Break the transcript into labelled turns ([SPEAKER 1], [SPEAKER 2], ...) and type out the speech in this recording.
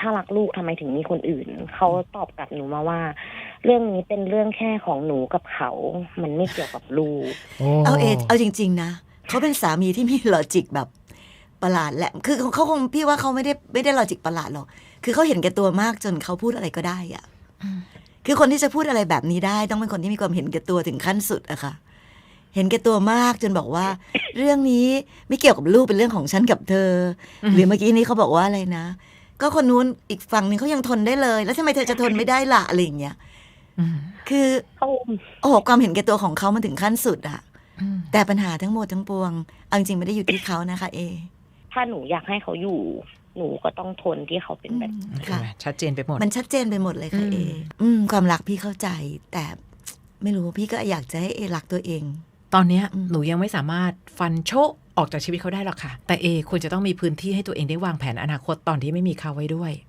[SPEAKER 1] ถ้ารักลูกทำไมถึงมีคนอื่นเขาตอบกลับหนูมาว่า เรื่องนี้เป็นเรื่องแค่ของหนูกับเขามันไม่เกี่ยวกับลูก
[SPEAKER 2] เอาจริงๆนะเขาเป็นสามีที่มีลอจิกแบบประหลาดแหละคือเขาคงพี่ว่าเขาไม่ได้ลอจิกประหลาดหรอกคือเขาเห็นแก่ตัวมากจนเขาพูดอะไรก็ได้อะคือคนที่จะพูดอะไรแบบนี้ได้ต้องเป็นคนที่มีความเห็นแก่ตัวถึงขั้นสุดอะค่ะเห็นแก่ตัวมากจนบอกว่าเรื่องนี้ไม่เกี่ยวกับลูกเป็นเรื่องของฉันกับเธอหรือเมื่อกี้นี้เขาบอกว่าอะไรนะก็คนนู้นอีกฝั่งนึงเขายังทนได้เลยแล้วทำไมเธอจะทนไม่ได้ล่ะอะไรอย่างเงี้ยคือโอ้โหความเห็นแก่ตัวของเขามันถึงขั้นสุดอะแต่ปัญหาทั้งหมดทั้งปวงเอาจริงไม่ได้อยู่ที่เขานะคะ
[SPEAKER 1] ถ้าหนูอยากให้เขาอยู่หนูก็ต้องทนที่เขาเป็นแบบ
[SPEAKER 2] ค่ะ
[SPEAKER 3] ชัดเจนไปหมด
[SPEAKER 2] มันชัดเจนไปหมดเลยค่ะความรักพี่เข้าใจแต่ไม่รู้พี่ก็อยากจะให้รักตัวเอง
[SPEAKER 3] ตอนนี้หนูยังไม่สามารถฟันโชะออกจากชีวิตเขาได้หรอกค่ะแต่ควรจะต้องมีพื้นที่ให้ตัวเองได้วางแผนอนาคตตอนที่ไม่มีเขาไว้ด้วย